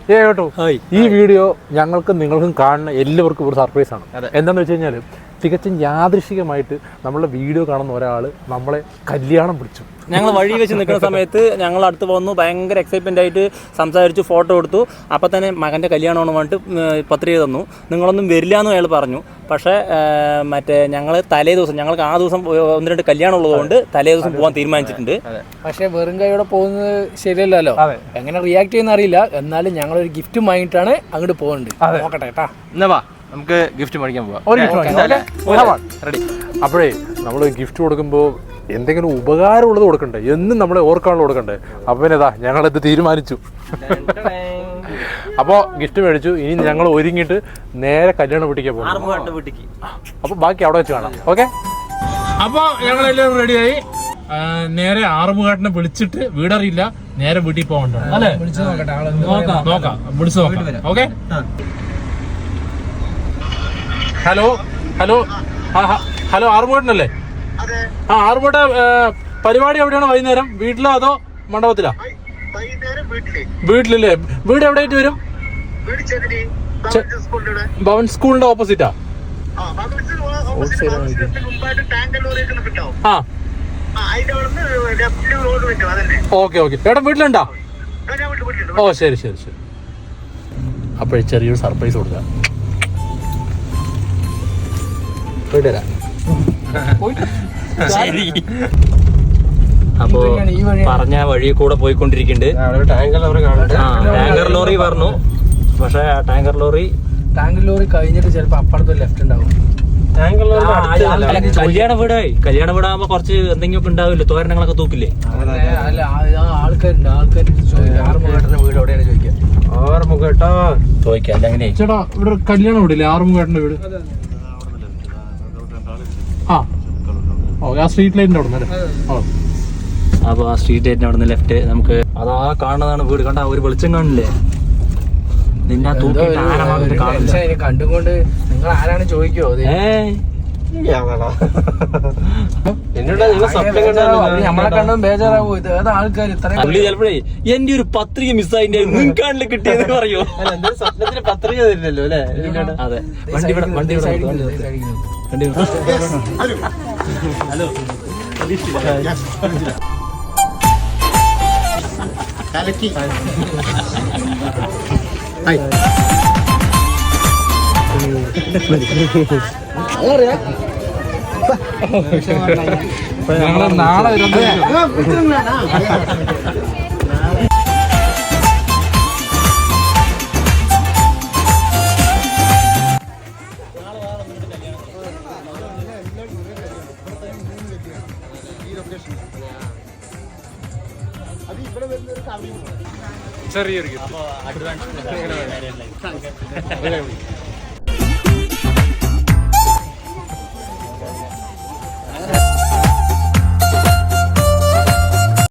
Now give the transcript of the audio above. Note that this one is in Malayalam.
കേട്ടോ ഈ വീഡിയോ ഞങ്ങൾക്കും നിങ്ങൾക്കും കാണുന്ന എല്ലാവർക്കും ഒരു സർപ്രൈസ് ആണ്. എന്താണെന്ന് വെച്ച് കഴിഞ്ഞാൽ തികച്ചും യാദൃശികമായിട്ട് നമ്മളെ വീഡിയോ കാണുന്ന ഒരാൾ നമ്മളെ കല്യാണം പിടിച്ചു. ഞങ്ങൾ വഴി വെച്ച് നിൽക്കുന്ന സമയത്ത് ഞങ്ങൾ അടുത്ത് വന്നു, ഭയങ്കര എക്സൈറ്റ്മെൻ്റ് ആയിട്ട് സംസാരിച്ചു, ഫോട്ടോ എടുത്തു. അപ്പം തന്നെ മകൻ്റെ കല്യാണമാണ് പറഞ്ഞിട്ട് പത്രിക തന്നു. നിങ്ങളൊന്നും വരില്ല എന്ന് അയാൾ പറഞ്ഞു. പക്ഷേ മറ്റേ ഞങ്ങൾ തലേ ദിവസം, ഞങ്ങൾക്ക് ആ ദിവസം 1-2 കല്യാണം ഉള്ളതുകൊണ്ട് തലേ ദിവസം പോകാൻ തീരുമാനിച്ചിട്ടുണ്ട്. പക്ഷേ വെറും കൈയോടെ പോകുന്നത് ശരിയല്ലല്ലോ, എങ്ങനെ റിയാക്ട് ചെയ്യുന്ന അറിയില്ല. എന്നാലും ഞങ്ങളൊരു ഗിഫ്റ്റ് വാങ്ങിയിട്ടാണ് അങ്ങോട്ട് പോകുന്നുണ്ട്. നോക്കട്ടെ കേട്ടാ, എന്നാ വാ നമുക്ക് ഗിഫ്റ്റ് മേടിക്കാൻ പോവാം. റെഡി. അപ്പോഴേ നമ്മൾ ഗിഫ്റ്റ് കൊടുക്കുമ്പോൾ എന്തെങ്കിലും ഉപകാരമുള്ളത് കൊടുക്കണ്ടേ, എന്നും നമ്മളെ ഓർക്കാനുള്ള കൊടുക്കണ്ടേ. അപ്പം പിന്നെ ഞങ്ങളിത് തീരുമാനിച്ചു. അപ്പോൾ ഗിഫ്റ്റ് മേടിച്ചു. ഇനി ഞങ്ങൾ ഒരുങ്ങിയിട്ട് നേരെ കല്യാണ വീട്ടിലേക്ക് പോകും. അപ്പോൾ ബാക്കി അവിടെ വെച്ച് കാണാം. ഓക്കെ. അപ്പോൾ ഞങ്ങളെല്ലാവരും റെഡിയായി. നേരെ ആറുമുഖാട്ടിനെ വിളിച്ചിട്ട്, വീടറിയില്ല, നേരെ വീട്ടിൽ പോകണ്ട അല്ലേ? നോക്കാം, വിളിച്ചു നോക്കാം. ഓക്കെ. ഹലോ ഹലോ ഹലോ ആറുമുഖട്ടനല്ലേ? ആറുമുഖട്ട പരിപാടി എവിടെയാണ്? വൈകുന്നേരം വീട്ടിലോ അതോ മണ്ഡപത്തിലാ? വീട്ടിലല്ലേ? വീട് എവിടെയായിട്ട് വരും? ഭവൻ സ്കൂളിന്റെ ഓപ്പോസിറ്റാ? Okay okay. എവിടെ വീട്ടിലുണ്ടോ? ഓ ശരി ശരി ശരി. അപ്പോഴേ ചെറിയൊരു സർപ്രൈസ് കൊടുക്കാം. അപ്പോ പറഞ്ഞ വഴി കൂടെ പോയിക്കൊണ്ടിരിക്കുന്നുണ്ട്. ടാങ്കർ ലോറി പറഞ്ഞു. പക്ഷെ ടാങ്കർ ലോറി കഴിഞ്ഞിട്ട് ചിലപ്പോ അപ്പുറത്ത് ലെഫ്റ്റ് ഉണ്ടാവും. കല്യാണ വീടാകുമ്പോ കുറച്ച് എന്തെങ്കിലും ഉണ്ടാവില്ലേ, തോരണങ്ങളൊക്കെ തൂക്കില്ലേ? ആൾക്കാരുണ്ട്, ആറുമുഖേട്ടന്റെ വീട് എവിടെയാണ് ചോദിക്കാം. ആറുമുഖേട്ടോ ചോദിക്കാം. അല്ലെങ്കിൽ ചേട്ടാ ഇവിടെ കല്യാണം വീടില്ലേ? ആറുമുഖേട്ടന്റെ വീട് ആ സ്ട്രീറ്റ് ലൈറ്റിന്റെ അവിടെ നിന്ന്. അപ്പൊ ആ സ്ട്രീറ്റ് ലൈറ്റിന്റെ അവിടെ നിന്ന് ലെഫ്റ്റ് നമുക്ക് അതാ കാണുന്നതാണ് വീട്. കണ്ട ഒരു വെളിച്ചം കാണില്ലേ? നിന്നെ കണ്ടുകൊണ്ട് നിങ്ങൾ ആരാണ് ചോദിക്കോ? നമ്മളെ കണ്ടും ബേജാറാവോ? ഇത് ഏതാ ആൾക്കാർ ചിലപ്പോഴേ എന്റെ ഒരു പത്രിക മിസ്സായിന്റെ മുൻകാണില് കിട്ടിയെന്ന് പറയോ? സ്വപ്നത്തിന് പത്രിക തരില്ലല്ലോ അല്ലേ? അതെ. വണ്ടി ഹലോ കലക്കി നാളെ ചെറിയൊരു